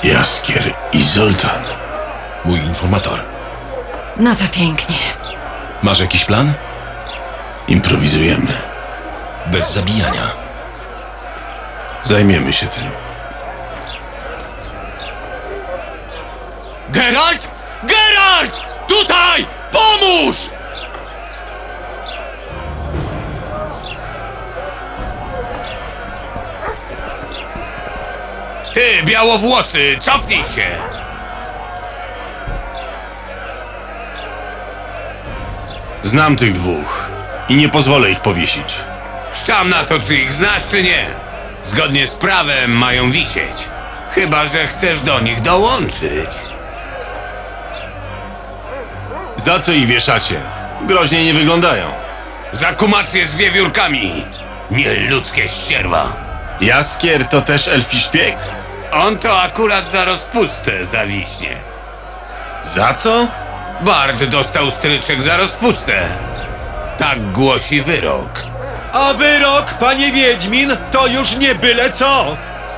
Jaskier i Zoltan. Mój informator. No to pięknie. Masz jakiś plan? Improwizujemy. Bez zabijania. Zajmiemy się tym. Geralt! Geralt! Tutaj! Pomóż! Ty, białowłosy, cofnij się! Znam tych dwóch i nie pozwolę ich powiesić. Szczam na to, czy ich znasz, czy nie. Zgodnie z prawem mają wisieć. Chyba że chcesz do nich dołączyć. Za co ich wieszacie? Groźnie nie wyglądają. Za kumację z wiewiórkami. Nieludzkie ścierwa. Jaskier to też elfi szpieg? On to akurat za rozpustę zawiśnie. Za co? Bard dostał stryczek za rozpustę. Tak głosi wyrok. A wyrok, panie Wiedźmin, to już nie byle co!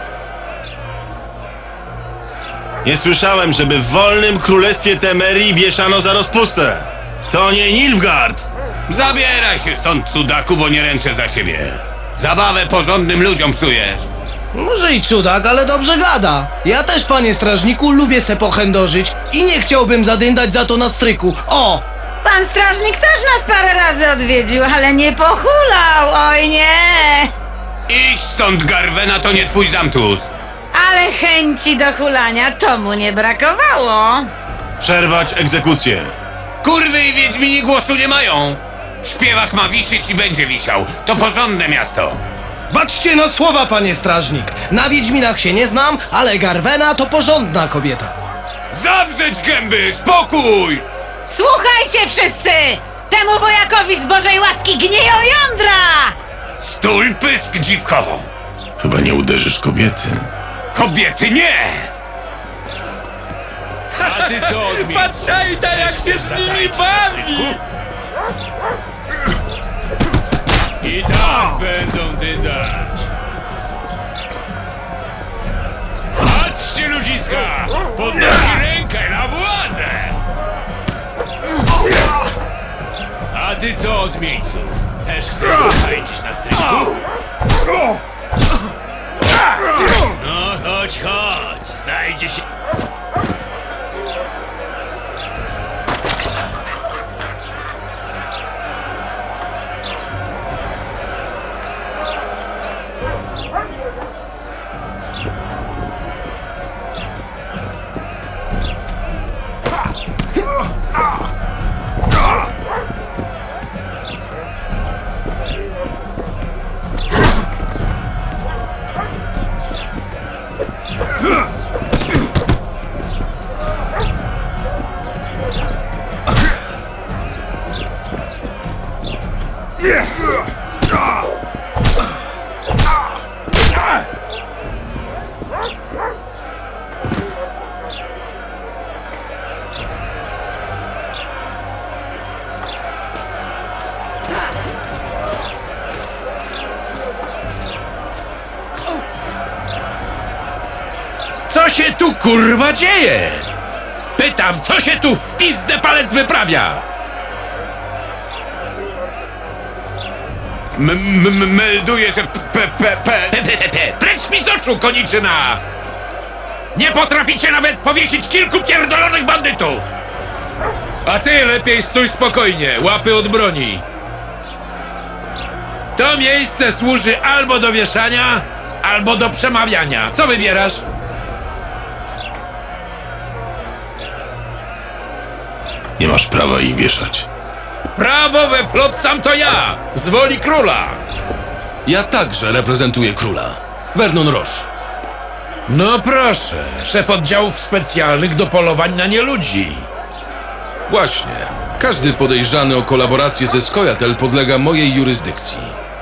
Nie słyszałem, żeby w wolnym królestwie Temerii wieszano za rozpustę. To nie Nilfgaard! Zabieraj się stąd, cudaku, bo nie ręczę za siebie. Zabawę porządnym ludziom psujesz. Może i cudak, ale dobrze gada. Ja też, panie strażniku, lubię se pochędożyć i nie chciałbym zadyndać za to na stryku. O! Pan strażnik też nas parę razy odwiedził, ale nie pochulał, oj nie! Idź stąd, Garwena, to nie twój zamtus. Ale chęci do hulania to mu nie brakowało. Przerwać egzekucję. Kurwy i wiedźmini głosu nie mają. Śpiewak ma wisieć i będzie wisiał. To porządne miasto. Baczcie na słowa, panie strażnik. Na Wiedźminach się nie znam, ale Garwena to porządna kobieta. Zawrzeć gęby, spokój! Słuchajcie wszyscy! Temu wojakowi z Bożej łaski gnieją jądra! Stój pysk, dziwko! Chyba nie uderzysz kobiety. Kobiety nie! A ty co odmienisz? Patrzajta, jak się z nimi bawi! I tak będą dydać. Patrzcie, ludziska! Podnosi rękę na władzę! A ty co, odmieńcu? Też chcesz zatańczyć na stryczku? No chodź, chodź, znajdzie się... Co się tu kurwa dzieje? Pytam, co się tu w pizdę palec wyprawia? Melduję, że Precz mi z oczu, koniczyna! Nie potraficie nawet powiesić kilku pierdolonych bandytów! A ty lepiej stój spokojnie, łapy od broni. To miejsce służy albo do wieszania, albo do przemawiania. Co wybierasz? Nie masz prawa ich wieszać. Prawo we Flotsam to ja, z woli króla. Ja także reprezentuję króla. Vernon Roche. No proszę, szef oddziałów specjalnych do polowań na nieludzi. Właśnie. Każdy podejrzany o kolaborację ze Skojatel podlega mojej jurysdykcji.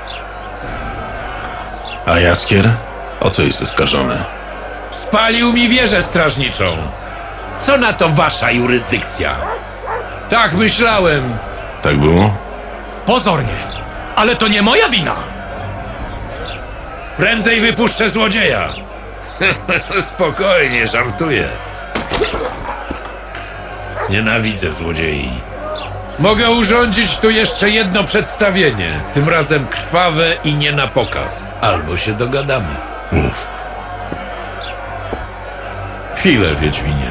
A Jaskier? O co jest oskarżony? Spalił mi wieżę strażniczą. Co na to wasza jurysdykcja? Tak myślałem. Tak było? Pozornie, ale to nie moja wina. Prędzej wypuszczę złodzieja. Spokojnie, żartuję. Nienawidzę złodziei. Mogę urządzić tu jeszcze jedno przedstawienie. Tym razem krwawe i nie na pokaz. Albo się dogadamy. Mów. Chwilę, Wiedźminie.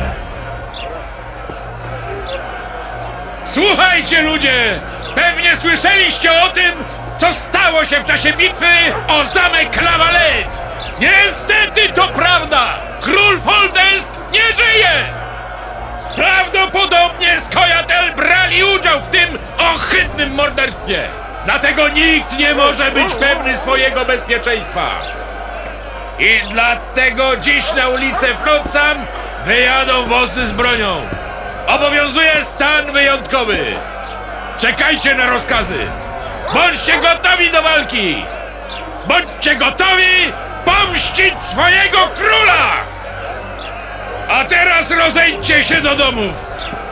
Słuchajcie, ludzie! Pewnie słyszeliście o tym, co stało się w czasie bitwy o zamek La Valette! Niestety to prawda! Król Foltest nie żyje! Prawdopodobnie Skojatel brali udział w tym ohydnym morderstwie! Dlatego nikt nie może być pewny swojego bezpieczeństwa! I dlatego dziś na ulicę Flotsam wyjadą wozy z bronią! Obowiązuje stan wyjątkowy! Czekajcie na rozkazy! Bądźcie gotowi do walki! Bądźcie gotowi pomścić swojego króla! A teraz rozejdźcie się do domów!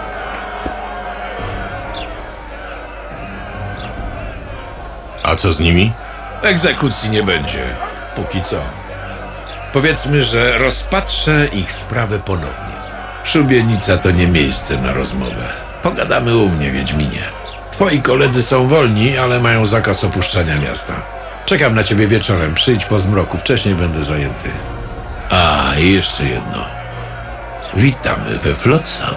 A co z nimi? Egzekucji nie będzie. Póki co. Powiedzmy, że rozpatrzę ich sprawę ponownie. Szubienica to nie miejsce na rozmowę. Pogadamy u mnie, Wiedźminie. Twoi koledzy są wolni, ale mają zakaz opuszczania miasta. Czekam na ciebie wieczorem. Przyjdź po zmroku. Wcześniej będę zajęty. A, i jeszcze jedno. Witamy we Flotsam.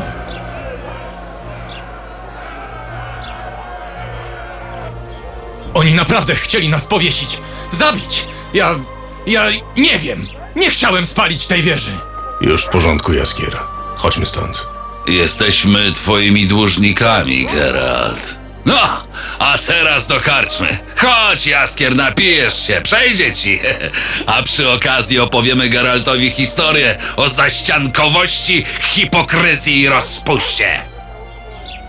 Oni naprawdę chcieli nas powiesić, zabić. Ja nie wiem. Nie chciałem spalić tej wieży. Już w porządku, Jaskier. Chodźmy stąd. Jesteśmy twoimi dłużnikami, Geralt. No, a teraz do karczmy. Chodź, Jaskier, napijesz się, przejdzie ci. A przy okazji opowiemy Geraltowi historię o zaściankowości, hipokryzji i rozpuście.